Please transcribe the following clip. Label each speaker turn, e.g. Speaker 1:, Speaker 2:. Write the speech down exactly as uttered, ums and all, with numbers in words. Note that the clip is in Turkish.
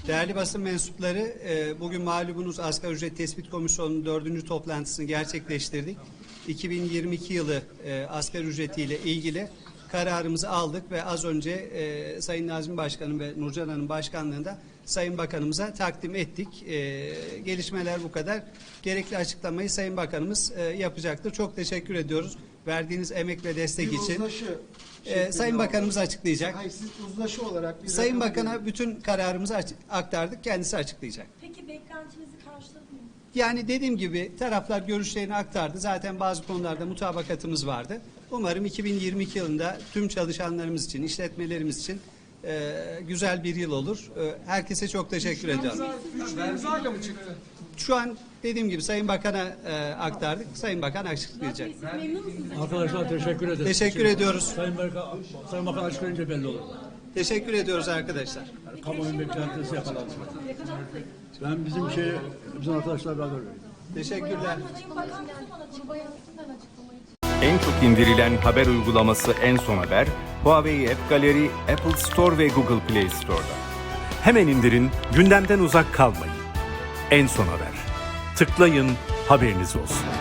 Speaker 1: Değerli basın mensupları, e, bugün malumunuz Asgari Ücret Tespit Komisyonu'nun dördüncü toplantısını gerçekleştirdik. iki bin yirmi iki yılı e, asgari ücretiyle ilgili kararımızı aldık ve az önce e, Sayın Nazmi Başkanım ve Nurcan Hanım başkanlığında Sayın Bakanımıza takdim ettik. E, gelişmeler bu kadar. Gerekli açıklamayı Sayın Bakanımız e, yapacaktır. Çok teşekkür ediyoruz verdiğiniz emek ve destek
Speaker 2: Bir
Speaker 1: için.
Speaker 2: uzlaşı
Speaker 1: E,
Speaker 2: şeklinde
Speaker 1: Sayın Bakanımız
Speaker 2: oldu.
Speaker 1: açıklayacak.
Speaker 2: Hayır, siz uzlaşı olarak bir
Speaker 1: Sayın
Speaker 2: rakam
Speaker 1: Bakan'a
Speaker 2: verin.
Speaker 1: bütün kararımızı aç- aktardık. Kendisi açıklayacak.
Speaker 3: Peki beklentinizi karşıladı mı?
Speaker 1: Yani dediğim gibi taraflar görüşlerini aktardı. Zaten bazı konularda mutabakatımız vardı. Umarım iki bin yirmi iki yılında tüm çalışanlarımız için, işletmelerimiz için e, güzel bir yıl olur. E, herkese çok teşekkür ediyorum.
Speaker 2: Güçlü imzayla mı çıktı?
Speaker 1: Şu an dediğim gibi Sayın Bakan'a e, aktardık. Sayın Bakan
Speaker 3: Murat
Speaker 1: açıklayacak.
Speaker 3: Bey, siz memnun musunuz?
Speaker 4: Arkadaşlar teşekkür ederiz.
Speaker 1: Teşekkür ediyoruz.
Speaker 4: Sayın Bakan, Sayın Bakan açıklayınca belli olur.
Speaker 1: Teşekkür ediyoruz arkadaşlar.
Speaker 4: Yani kamuoyunun beklentisi yakalandı. Ben bizim şey, bizim arkadaşlar beraber veriyorum.
Speaker 1: Teşekkürler.
Speaker 3: Sayın Bakan ne zaman açıklamayı?
Speaker 5: En çok indirilen haber uygulaması En Son Haber, Huawei App Gallery, Apple Store ve Google Play Store'da.
Speaker 6: Hemen indirin, gündemden uzak kalmayın. En Son Haber. Tıklayın, haberiniz olsun.